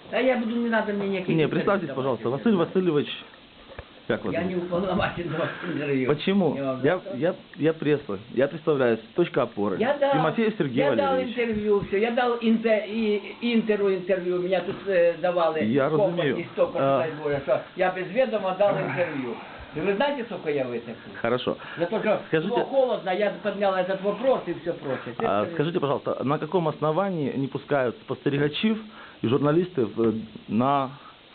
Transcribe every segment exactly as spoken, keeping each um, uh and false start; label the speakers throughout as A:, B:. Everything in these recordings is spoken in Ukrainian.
A: А я буду, не надо мне никаких...
B: Не, представьтесь, пожалуйста, Василий Васильевич, как вас
A: Я
B: зовут?
A: не уполномочен за вас интервью.
B: Почему?
A: Я, вам
B: Я,
A: рассказываю.
B: я, я пресса, я представляюсь, точка опоры.
A: Я дал,
B: Тимофей Сергей
A: я дал
B: Валерьевич.
A: интервью, все, я дал інтер, і, інтеру інтерв'ю, меня тут е, давали
B: Я
A: сколько
B: розумію.
A: і столько,
B: А.
A: дай Боже, що я без відома дал интервью. И вы знаете, сколько я вытащил?
B: Хорошо.
A: За то, что
B: Скажите-
A: было холодно, я поднял этот вопрос и все прочее.
B: А, скажите, пожалуйста, на каком основании не пускают спостерігачів і журналістів е, на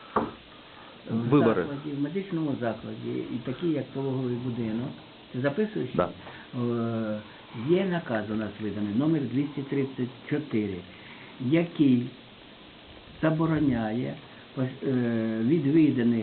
A: В
B: вибори?
A: закладі, в медичному закладі, і такі, як пологовий будинок, ти записуєш?
B: Да.
A: Е, Є наказ у нас виданий, номер двісті тридцять чотири, який забороняє е, відвіданих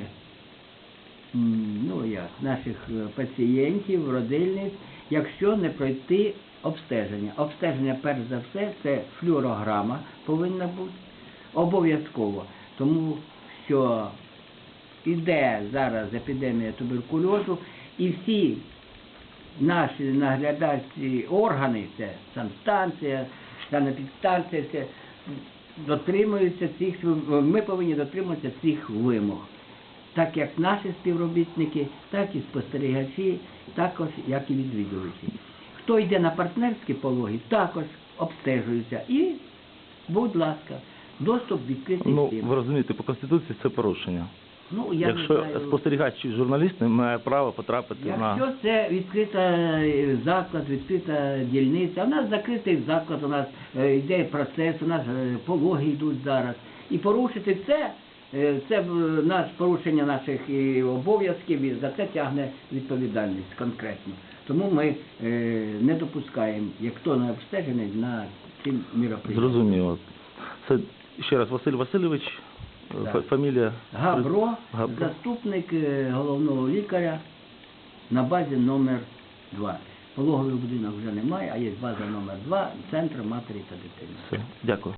A: м, ну, як, наших е, пацієнтів, родильниць, якщо не пройти обстеження. Обстеження, перш за все, це флюорограма повинна бути обов'язково, тому що іде зараз епідемія туберкульозу, і всі наші наглядачі органи, це санстанція, санепідстанція, все, дотримуються цих, ми повинні дотримуватися цих вимог. Так як наші співробітники, так і спостерігачі, також як і відвідувачі. Хто йде на партнерські пологи, також обстежується. І, будь ласка, доступ відкритий
B: Ну,
A: всім.
B: ви розумієте, по Конституції це порушення.
A: Ну, я
B: Якщо
A: не знаю.
B: спостерігач чи журналіст не має права потрапити
A: Якщо
B: на...
A: це відкрита заклад, відкрита дільниця, у нас закритий заклад, у нас е, йде процес, у нас е, пологи йдуть зараз. І порушити це, е, це в- наш, порушення наших і обов'язків, і за це тягне відповідальність конкретно. Тому ми е, не допускаємо, як хто не обстежений, на ці міроприємства.
B: Зрозуміло. Це, ще раз, Василь Васильович,
A: Да.
B: фа- фамілія...
A: Габро,
B: Габро.
A: заступник е, головного лікаря на базі номер два. Пологовий будинок вже немає, а є база номер два, центр матері та дитини.
B: Все, дякую.